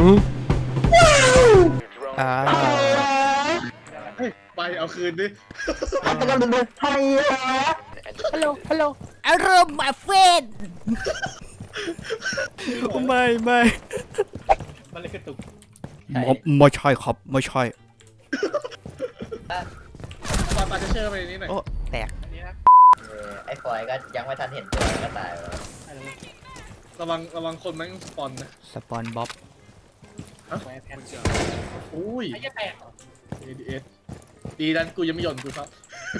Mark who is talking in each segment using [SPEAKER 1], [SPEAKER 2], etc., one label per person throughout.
[SPEAKER 1] เฮ้ยไปเอาคืนดิ
[SPEAKER 2] ฮัลโหลฮัลโหลอารมณ์มาเฟนไม่
[SPEAKER 1] มันเลยกระตุก
[SPEAKER 2] ไม่ใช่ครับไม่ใช่
[SPEAKER 1] ปาจะเชื่อไปนี้หน่อย
[SPEAKER 2] โอ้แตก
[SPEAKER 3] ไอ้ฟอยก็ยังไม่ทันเห็นตัวก็ตายแล้ว
[SPEAKER 1] ระวังคนแม่งสปอนนะ
[SPEAKER 2] สปอนบ๊อบ
[SPEAKER 1] อุ้ยADS ดีดันกูยังไม่หย่อนกูครับ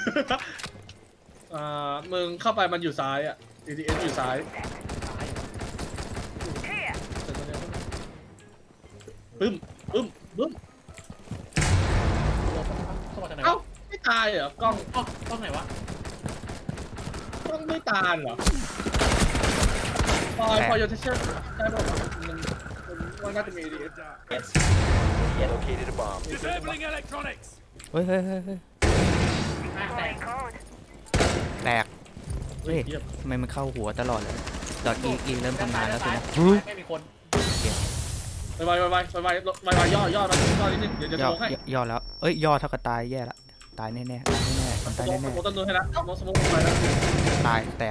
[SPEAKER 1] มึงเข้าไปมันอยู่ซ้ายอ่ะ ADS อยู่ซ้ายปึ้มเอ้าไม่ตายเหรอกล้องไหนวะกล้องไม่ตายเหรอพอโยนเทเชอร์ได้ป่ะมันน่าจะมี ADS
[SPEAKER 4] Located a bomb. Disabling electronics.
[SPEAKER 2] เฮ้ยแตกเฮ้ยทำไมมันเข้าหัวตลอดเลยดอทอีเริ่มทำงานแล้วสินะ
[SPEAKER 1] ไม่มีคนไปย่อนิดนึงเดี๋ยวจะโชว์ให้
[SPEAKER 2] ย่อแล้วเอ้ยย่อเท่ากับตายแย่ละตายแน่มันตายแน่
[SPEAKER 1] ต้นนู้นให้ละสมองไปแล้ว
[SPEAKER 2] ตายแตก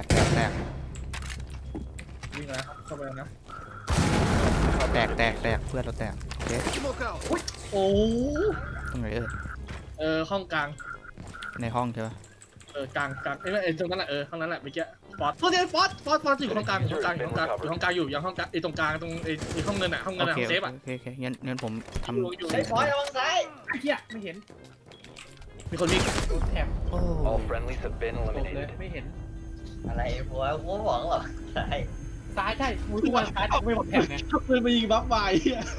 [SPEAKER 1] วิ่งนะเข้าไปนะ
[SPEAKER 2] แตกเพื่อนเราแตกเด็ด
[SPEAKER 1] โอ้
[SPEAKER 2] ตรงไหน
[SPEAKER 1] ห้องกลาง
[SPEAKER 2] ในห้องใช่ปะ
[SPEAKER 1] กลางตรงนั้นแหละห้องนั้นแหละเมื่อกี้ฟอสอยู่ห้องกลางอยู่ห้องกลางอยู่ยังห้องกลางตรงกลางตรงห้องเงินอ่ะห้องเซฟอ่ะ
[SPEAKER 2] โอเคงั้นผมทำ
[SPEAKER 3] ไอ้ฟอยระวังซ้าย
[SPEAKER 1] ไอ้เหี้ยไม่เห็นมีคนวิ่งแถบ
[SPEAKER 4] All friendlies have been eliminated.
[SPEAKER 1] ไม่เห็น
[SPEAKER 3] อะไรฟอยกูหวังหรอ
[SPEAKER 1] ซ้ายใช่มือทุกวันซ้ายไม่หมดแถบไงปืนมายิงบัฟไว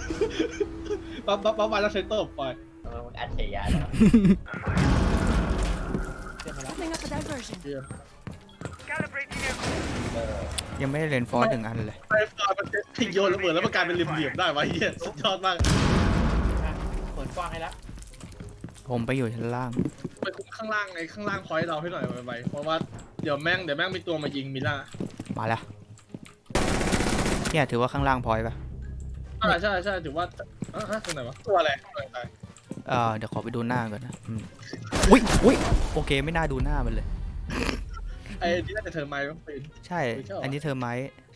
[SPEAKER 1] บัฟไวแล้วเซนเตอร์ไป
[SPEAKER 3] มึงอัจฉริยะ
[SPEAKER 2] ยังไม่ได้เล่นฟอร์1 อันเลย
[SPEAKER 1] ไฟฟอร์มันทิ้งโยนระเบิดแล้วมันกลายเป็นเหลี่ยมได้วะเฮียสุดยอดมากเปิดกว้างให้แล้ว
[SPEAKER 2] ผมไปอยู่ชั้นล่าง
[SPEAKER 1] ไปคุมข้างล่างพอยต์เราให้หน่อยไปเพราะว่าเดี๋ยวแม่งมีตัวมายิงมิล่า
[SPEAKER 2] มาแล้วเนี่ยถือว่าข้างล่างพอยต์ป่ะ
[SPEAKER 1] ใช่ถือว่าตรงไหนวะตัวอะไร
[SPEAKER 2] เดี๋ยวขอไปดูหน้าก่อนนะอุ้ยโอเคไม่น่าดูหน้ามันเลย
[SPEAKER 1] ไอ้ที่น่าจะเธอไม้ต้องเป็น
[SPEAKER 2] ใช่อันนี้เธอไม้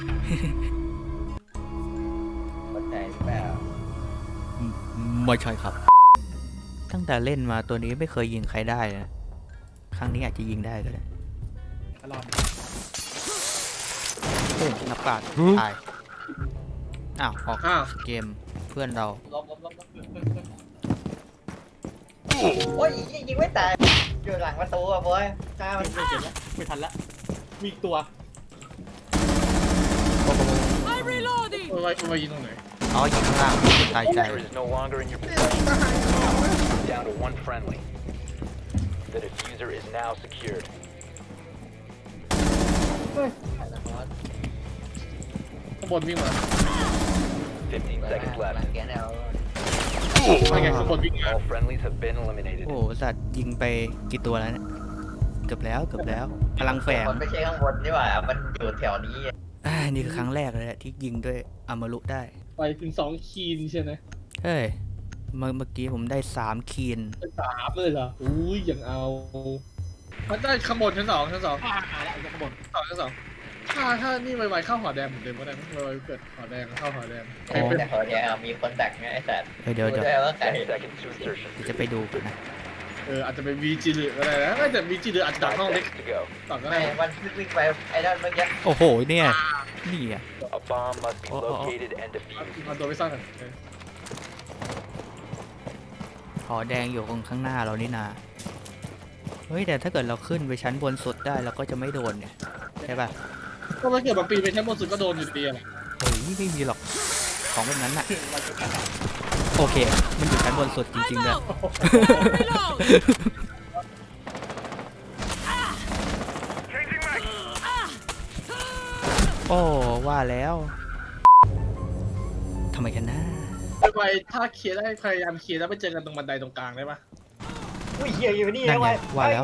[SPEAKER 3] มันใจหรือเปล่า
[SPEAKER 2] ไม่ใช่ครับตั้งแต่เล่นมาตัวนี้ไม่เคยยิงใครได้นะครั้งนี้อาจจะยิงได้ก็ได้โอ้นักปราชญ์ตายออกเกมเพื่อนเรา
[SPEAKER 3] โอ้ยยิงไม่ตายอยู่หลังประตูอ่ะบอยตามัน
[SPEAKER 1] ไม่ทันละมีอีกตัวไปยิงตรงไหน
[SPEAKER 2] ยิงข้างล่างตายใจ
[SPEAKER 4] Down to one friendly. The diffuser is now secured.
[SPEAKER 1] ข้างบนวิ่งมา
[SPEAKER 4] 15 seconds left.
[SPEAKER 1] ไม่ไงข้างบนวิ่งมา
[SPEAKER 4] All friendlies have been eliminated.
[SPEAKER 2] โอ้สัตว์ยิงไปกี่ตัวแล้วเนี่ยเกือบแล้วพลังแฝง
[SPEAKER 3] มันไม่ใช่ข้างบนนี่หว่ามันอยู่แถวนี้
[SPEAKER 2] นี่คือครั้งแรกเลยที่ยิงด้วยอมรุได้
[SPEAKER 1] ไปถึง2 คีนใช่ไหม
[SPEAKER 2] เฮ้ยเมื่อกี้ผมได้3 คีน
[SPEAKER 1] 3เลยเหรออุ้ยยังเอามันได้ข้างบนชั้น 2แล้วข้างบนชั้น 2ถ้านี่ไวๆเข้าหอแดงเหมือนเดิมก็ได้ไวๆเกิดหอแดงเข้าหอแดง
[SPEAKER 3] แต่หอแดงมีคนดักไงไอ้สัตว์
[SPEAKER 2] เดี๋ยวจะไปดูกันนะ
[SPEAKER 1] อาจจะเป็นวีจีหรืออะไรนะแต่วีจีหรืออาจจะดักห้องเล็กต่อก็ได้
[SPEAKER 3] มันวิ่งไปไอ้นั่นเมื่อกี้
[SPEAKER 2] โอ้โหเนี่ยนี่อ่ะ
[SPEAKER 1] มันตัวไม่ซ่อนกัน
[SPEAKER 2] หอแดงอยู่ข้างหน้าเรานี่นาเฮ้ยแต่ถ้าเกิดเราขึ้นไปชั้นบนสุดได้เราก็จะไม่โดนเนี่ยใช่ป่ะ
[SPEAKER 1] ก็ถ้าเกิดบางปีไปชั้นบนสุดก็โดนอยู่ดีอ่ะ
[SPEAKER 2] เฮ้ยไม่มีหรอกของแบบนั้นน่ะโอเคมันอยู่ชั้นบนสุดจริงๆเลยโอ้ว่าแล้วทำไมกันนะ
[SPEAKER 1] ไปถ้าเคลียร์ได้พยายามเคลียร์แล้วไปเจอกันตรงบันไดตรงกลางได้ปะ
[SPEAKER 3] อุ้ยเหี้ยอยู่นี่นะ
[SPEAKER 2] ว่าแล้ว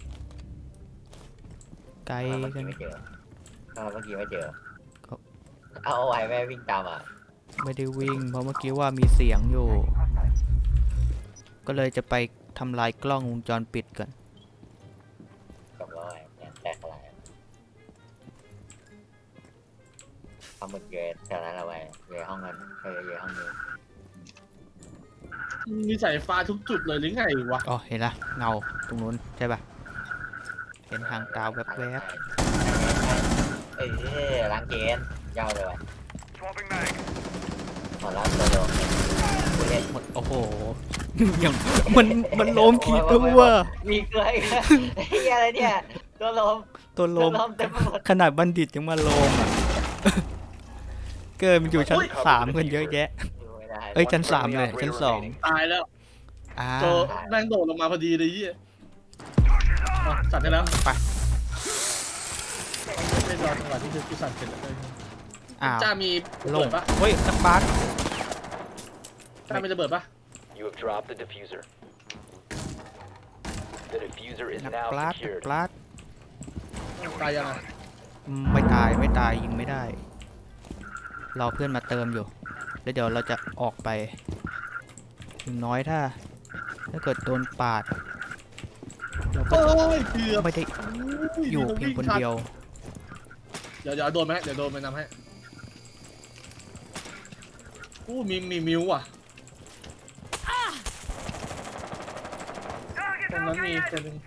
[SPEAKER 2] ไกลกัน
[SPEAKER 3] เมื่อกี้ไม่เจอเอาไว้แม่วิ่งตามอ่ะ
[SPEAKER 2] ไม่ได้วิ่งเพราะเมื่อกี้ว่ามีเสียงอยู่ ก็เลยจะไปทำลายกล้องวงจรปิดก่อน
[SPEAKER 3] กับร้อยเนี่ยแตกอะไรทำหมดเยอะแต่นั้นเอาไว้เยอะห้องนั้นเยอะห้องนี้
[SPEAKER 1] มีสายฟ้าทุกจุดเลยหรือไงวะ
[SPEAKER 2] อ๋อเห็นละเงาตรงนู้นใช่ปะเห็นหางตาแวบ
[SPEAKER 3] เอ้ยล้างเกณฑ์ยาวเลยว่ะขอรับตัวโดนผู้เล่น
[SPEAKER 2] ๆหมดโอ้โห อย่างมันโลมกี่ตัว
[SPEAKER 3] มีเกลืออีกไอ้เหี้ยอะไรเนี่ยตัวลม
[SPEAKER 2] ตัวโล
[SPEAKER 3] ตัว
[SPEAKER 2] ม
[SPEAKER 3] ลมเต็มไปหมด
[SPEAKER 2] ขนาดบัณฑิตยังมาโลมอ่ะ เกินมันอยู่ชั้น3กันเยอะแยะ
[SPEAKER 3] อยู่ไม่ได้
[SPEAKER 2] เอ้ยชั้น3เลยชั้น2
[SPEAKER 1] ตายแล้ว
[SPEAKER 2] อ่า
[SPEAKER 1] โจแม่งโดดลงมาพอดีเลยยี่อ่ะสั่นได้แล้ว
[SPEAKER 2] ไป
[SPEAKER 1] ไม่รอจังหวะที่คือกูสั่นเสร็จแล้วเลย
[SPEAKER 2] อ้าว
[SPEAKER 1] จ้ามี
[SPEAKER 2] ล
[SPEAKER 1] ระเบิ
[SPEAKER 2] ง
[SPEAKER 1] ดปะ
[SPEAKER 2] เฮ้ยนักบาส
[SPEAKER 1] จ้ามีระเบิดปะ
[SPEAKER 4] You have dropped the diffuser. The diffuser is
[SPEAKER 2] นัก
[SPEAKER 4] now
[SPEAKER 2] บาสนัก
[SPEAKER 4] secured.
[SPEAKER 2] บาส
[SPEAKER 1] ตายยังไง
[SPEAKER 2] ไม่ตายยิงไม่ได้รอเพื่อนมาเติมอยู่แล้วเดี๋ยวเราจะออกไปอย่างน้อยถ้าเกิดโดนปาดเราก็
[SPEAKER 1] โอ้ยเกือบ
[SPEAKER 2] ไม่ได้อยู่เพียงคนเดียว
[SPEAKER 1] เดี๋ยวโดนไหมเดี๋ยวโดนไปนำให้อู้มีมิวอ่ะตรงนั้นมีตัวหนึง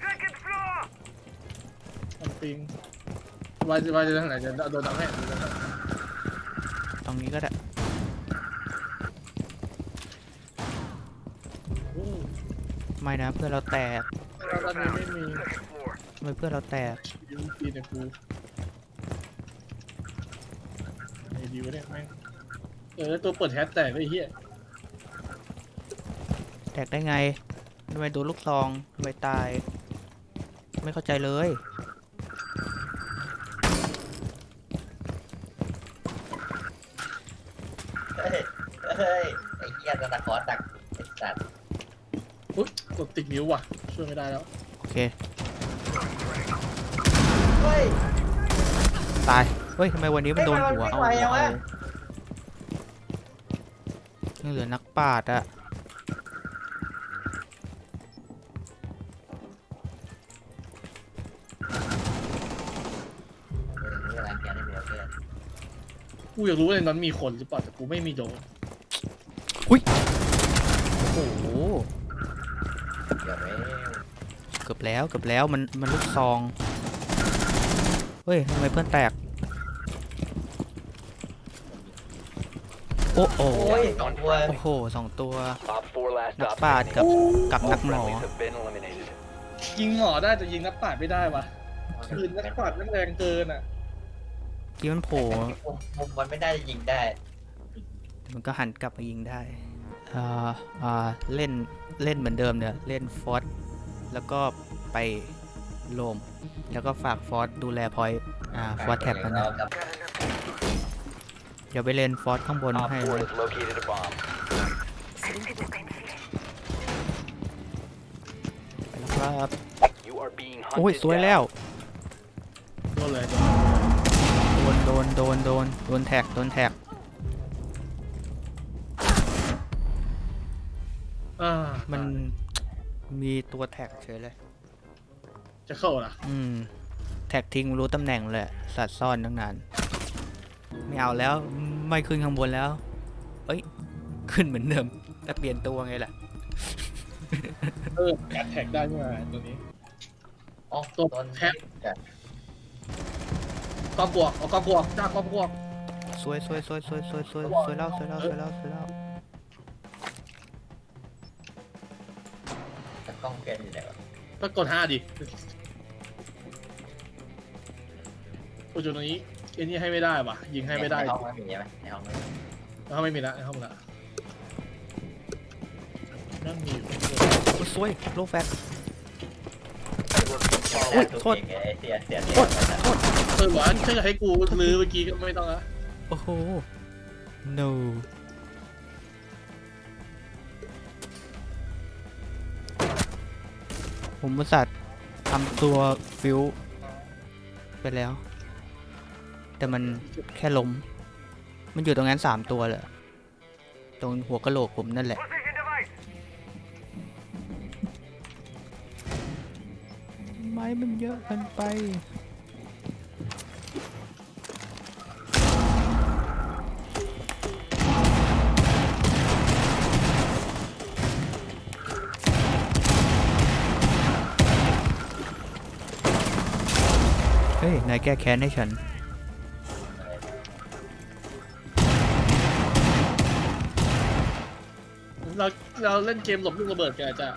[SPEAKER 1] ทำปิงวายจะทางไหนจะโดนนำให้
[SPEAKER 2] ตรงนี้ก็ได้
[SPEAKER 1] อู้
[SPEAKER 2] ไม่นะเพื่อนเราแตก
[SPEAKER 1] แล้วตอนนี้ไม่มี
[SPEAKER 2] ทำไมเพื่อนเราแตก
[SPEAKER 1] ยูซีเนี่ยกูไอ้ดีวะเนี่ยแม่งแล้วตัวเปิดแฮชแตกไอ้เหี้ย
[SPEAKER 2] แตกได้ไงทำไมโดนลูกซองทำไมตาย ไม่เข้าใจเลย
[SPEAKER 3] เฮ้ยไอ้เหี้ยตะขอตักไอ้สัตว์
[SPEAKER 1] อุ๊ยกดติดนิ้วว่ะช่วยไม่ได้แล้ว
[SPEAKER 2] โอเค
[SPEAKER 3] เฮ้ย
[SPEAKER 2] ตายเฮ้ยทำไมวันนี้มันโดนหัวเอา
[SPEAKER 3] เฮ้ยมันวิ่งไวยังวะ
[SPEAKER 2] ยังเหลือนักปาดอะ
[SPEAKER 3] นี่ล้างเกณฑ์ได้เพื่อน
[SPEAKER 1] กูอยากรู้ว่าในนั้นมีคนหรือเปล่าแต่กูไม่มีโดน
[SPEAKER 2] โอ้โห
[SPEAKER 3] เดี๋ยวไม่
[SPEAKER 2] เกือบแล้วมันลูกซองเฮ้ยทำไมเพื่อนแตกโอ้โห
[SPEAKER 3] โอ้ยสองตัว
[SPEAKER 2] โอ้โห2 ตัว
[SPEAKER 4] Op 4 last
[SPEAKER 2] นัก
[SPEAKER 4] stop
[SPEAKER 2] ปาด
[SPEAKER 4] standing.
[SPEAKER 2] กับ
[SPEAKER 4] All
[SPEAKER 2] นักหมอ
[SPEAKER 4] friendlies have been eliminated.
[SPEAKER 1] ยิงหมอได้แต่ยิงนักปราดไม่ได้ว่ะคืนนักปราดแม่งแรงเกินอ่ะ
[SPEAKER 2] ที่มันโผล่
[SPEAKER 3] มุมมันไม่ได้ยิงได้
[SPEAKER 2] มันก็หันกลับมายิงได้เล่นเหมือนเดิมเนี่ยเล่นฟอสแล้วก็ไปโลมแล้วก็ฝากฟอสดูแลพอยต์ฟอสแท็บมันนะเดี๋ยวไปเล่นฟอสข้างบน
[SPEAKER 4] Op
[SPEAKER 2] ให้
[SPEAKER 4] 4
[SPEAKER 2] เลย
[SPEAKER 4] has located a bomb.
[SPEAKER 2] ไปแล้วครับ
[SPEAKER 4] You are being
[SPEAKER 2] โอ้ย
[SPEAKER 4] hunted
[SPEAKER 2] สวย
[SPEAKER 4] down.
[SPEAKER 2] แล้ว
[SPEAKER 1] โดนเลย
[SPEAKER 2] โดนแท็กมันมีตัวแท็กเฉยเลย
[SPEAKER 1] จะเข้าล่ะ
[SPEAKER 2] แท็กทิ้งรู้ตำแหน่งเลยสัตว์ซ่อนตั้งนานไม่เอาแล้วไม่ขึ้นข้างบนแล้วเอ้ยขึ้นเหมือนเดิมแต่เปลี่ยนตัวไงล่ะ
[SPEAKER 1] แอดแท็กได้เมื่อไหร่ตัวนี้
[SPEAKER 3] อ๋อ
[SPEAKER 1] ตัวแท็บ กองบวกเอากองบวกจ้ากองบวก
[SPEAKER 2] สวยแล้ว
[SPEAKER 3] จะกล้องเกณฑ์อยู่ไหนวะ
[SPEAKER 1] ก็กด5ดิโอ้จุดตรงนี้ไอ้นี่ให้ไม่ได้ว่ะยิงให้ไม่ได้
[SPEAKER 3] ในห้องไม่มีใช่ไหมในห้องไม่มี
[SPEAKER 1] แล้วไม่มีละในห้องละนั่นมีอยู่
[SPEAKER 2] สวยโลแฟต
[SPEAKER 3] อุ้ยโทษเสีย
[SPEAKER 1] หวานถ้าจะให้กูลื้อเมื่อกี้ก็ไม่ต้องละ
[SPEAKER 2] โอ้โห no ผมอุตส่าห์ทำตัวฟิวไปแล้ว แต่มันแค่ล้มมันอยู่ตรงนั้น3 ตัวเลยตรงหัวกะโหลกผมนั่นแหละไม้มันเยอะเกินไปเฮ้ยนายแก้แค้นให้ฉัน
[SPEAKER 1] เราเล่นเกมหลบลูกระเบิดกันจ้ะ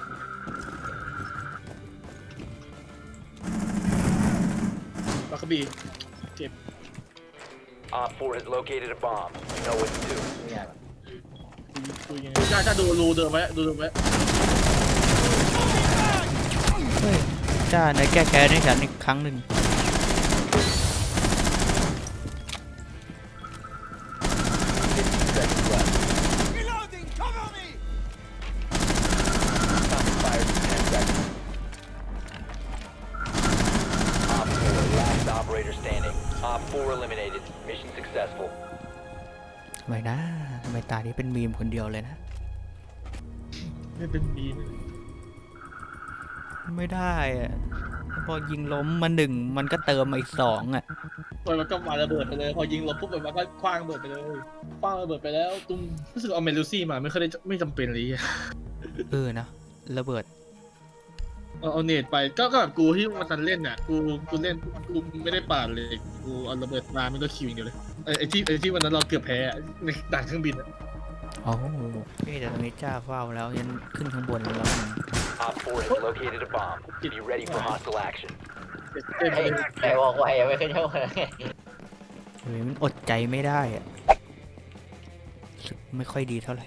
[SPEAKER 1] บัคคบีเจ็บ
[SPEAKER 4] Op 4 has located a bomb. You know what to do.
[SPEAKER 3] เนี่ย
[SPEAKER 1] คุยยังไงจ้าดูรูเดิมไว้ดูไว้
[SPEAKER 2] เฮ้ยจ้านายแก้แค้นให้ฉันอีกครั้งหนึ่ง
[SPEAKER 4] Seconds left. Fire 10 seconds. Op 4, last operator standing. Op 4 eliminated. Mission successful.
[SPEAKER 2] ทำไมนะทำไมตานี้เป็นมีมคนเดียวเลยนะ
[SPEAKER 1] ไม่เป็นมีม
[SPEAKER 2] ไม่ได้อะพอยิงล้มมา1มันก็เติมมาอีก2อ่ะ
[SPEAKER 1] มันก็มาระเบิดไปเลยพอยิงลบปุ๊บมันก็คว้างระเบิดไปเลยคว้างระเบิดไปแล้วตุ้มรู้สึกเอาเมลูซี่มาไม่เคยได้ไม่จำเป็นเลย
[SPEAKER 2] นะระเบิด
[SPEAKER 1] เอาเนตไปก็แบบกูที่มันเล่นน่ะกูเล่นกูไม่ได้ปาดเลยกูเอาระเบิดมาไม่ต้องคิวอย่างเดียวเลยไอ้ที่วันนั้นเราเกือบแพ้ในด่านเครื่องบินอะ
[SPEAKER 2] โอ้แต่ตรงนี้จ้าเฝ้าแล้วยันขึ้นข้างบนแล้วกัน
[SPEAKER 4] Op 4 has located a bomb. Be ready for hostile action.
[SPEAKER 1] เต็ม
[SPEAKER 3] ไอ้
[SPEAKER 1] เลย
[SPEAKER 3] ไอ้บอกไว้ไม่เคยเท่าไหร่
[SPEAKER 2] เฮ้ยมันอดใจไม่ได้อ่ะรู้สึกไม่ค่อยดีเท่าไหร่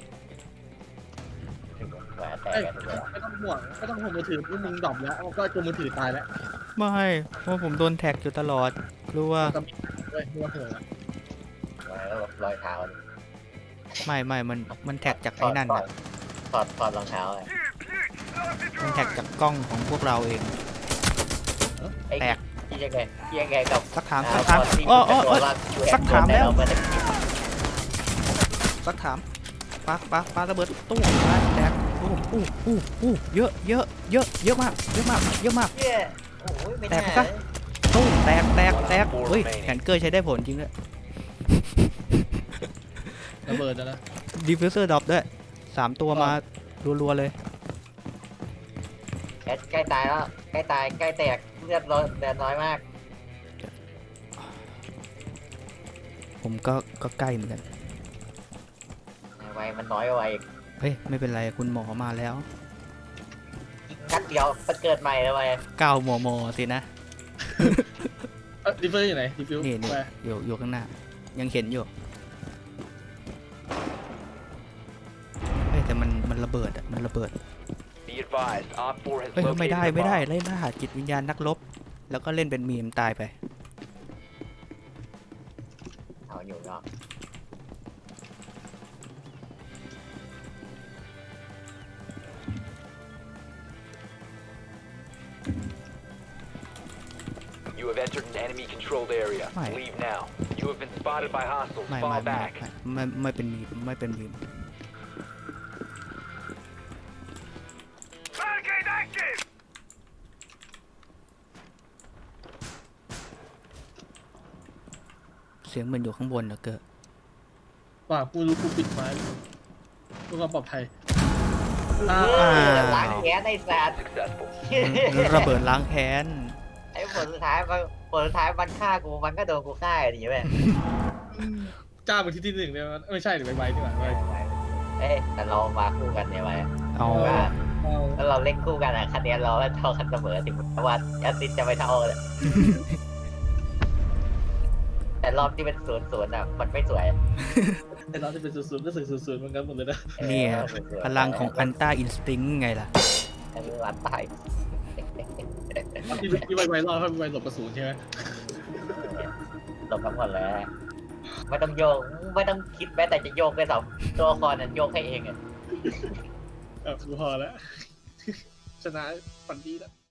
[SPEAKER 3] แหวนแตกกันเลย
[SPEAKER 1] ไม่ต้องห่วงมือถือพวกมึงดรอปแล้วก็ตัวมือถือตายแล้ว
[SPEAKER 2] ไม่เพราะผมโดนแท็กอยู่ตลอดรู้ว่า
[SPEAKER 1] เว้ยไม่ว่าเถอะ
[SPEAKER 3] แล้วรอยเท้า
[SPEAKER 2] ไม่มันแท็กจากไอ้นั่นอ่ะ
[SPEAKER 3] ถอดรองเท้าเลย
[SPEAKER 2] มันแท็กจากกล้องของพวกเราเอง แตก
[SPEAKER 3] ที่ยังไงกับ
[SPEAKER 2] สักถามอ้อสักถามแล้วสักถามปาระเบิดตู้แตกเยอะมาก
[SPEAKER 3] เย้โอ้ยไม่น่า
[SPEAKER 2] ตู้แตกเฮ้ยแฮนเกอร์ใช้ได้ผลจริงด้วย
[SPEAKER 1] ระเบิดนะ
[SPEAKER 2] ดิฟฟิวเซอร์ดรอปด้วย3 ตัวมารัวๆเลย
[SPEAKER 3] ใกล้ตายแล้วใกล้ตายใกล้แตกเลือดน้อยมาก
[SPEAKER 2] ผมก็ใกล้เหมือนกัน
[SPEAKER 3] ไวมันน้อยกว่าอีก
[SPEAKER 2] เฮ้ยไม่เป็นไรคุณหมอมาแล้ว
[SPEAKER 3] นัดเดียวมันเกิดใหม่เลยไว
[SPEAKER 2] 9 มมสินะ
[SPEAKER 1] ดิฟเฟอร์อยู่ไหนดิฟฟิว
[SPEAKER 2] นี่
[SPEAKER 1] ไป
[SPEAKER 2] อยู่ข้างหน้า ยังเห็นอยู่เฮ้ยแต่มันระเบิดอ่ะมันระเบิด
[SPEAKER 4] Be advised, Op 4 has
[SPEAKER 2] เฮ้ย
[SPEAKER 4] located
[SPEAKER 2] ไม่ได้
[SPEAKER 4] a bomb.
[SPEAKER 2] ไล่ล่าจิตวิญญาณนักรบแล้วก็เล่นเป็นมีมตายไป
[SPEAKER 3] เอาอยู่เนาะ
[SPEAKER 4] You have entered an enemy-controlled area.
[SPEAKER 2] Right.
[SPEAKER 4] Leave now. You have been spotted by hostiles.
[SPEAKER 2] ไม่
[SPEAKER 4] Fall back.
[SPEAKER 2] ไม่เป็นมีมไม่เป็นมีมเสียงเหมือนอยู่ข้างบนเหรอเกิด
[SPEAKER 1] ป่ากูรู้กูปิดไม้เพื่อความปลอดภัย
[SPEAKER 3] ล้างแค้นไอ้สัตว์
[SPEAKER 4] Successful.
[SPEAKER 2] ระเบิดล้างแค้น
[SPEAKER 3] ไอ้ผลสุดท้ายมันฆ่ากูมันก็โดนกูฆ่าอย่างนี้ไป
[SPEAKER 1] จ้าเป็นที่1เลยมันไม่ใช่หรือใบนี่หว่าใบ
[SPEAKER 3] เอ้ยแต่เรามาคู่กันเนี่ยไว้
[SPEAKER 2] เอา
[SPEAKER 3] แล้วเราเล่นคู่กันอ่ะคะแนนเราเท่ากันเสมอถึงแม้ว่าแอสซิสจะไม่เท่าเลยแต่รอบที่เป็น0-0อ่ะมันไม่สวย
[SPEAKER 1] แต่เราจะเป็น00ก็00เหมือนกันหมดเลยนะ
[SPEAKER 2] เนี่ยพลังของอันต้าอินสติ้งไงล่ะ
[SPEAKER 3] อันนี้รันตาย
[SPEAKER 1] ที่ใบรอดให้ใบหลบกระสุนใช่ไหม
[SPEAKER 3] หลบทั้งหมดเลยไม่ต้องโยกไม่ต้องคิดแม้แต่จะโยกด้วยซ้ำตัวละครนั้นโยกให้เองอ่ะ
[SPEAKER 1] กูพอแล้ว ชนะฝันดีแล้ว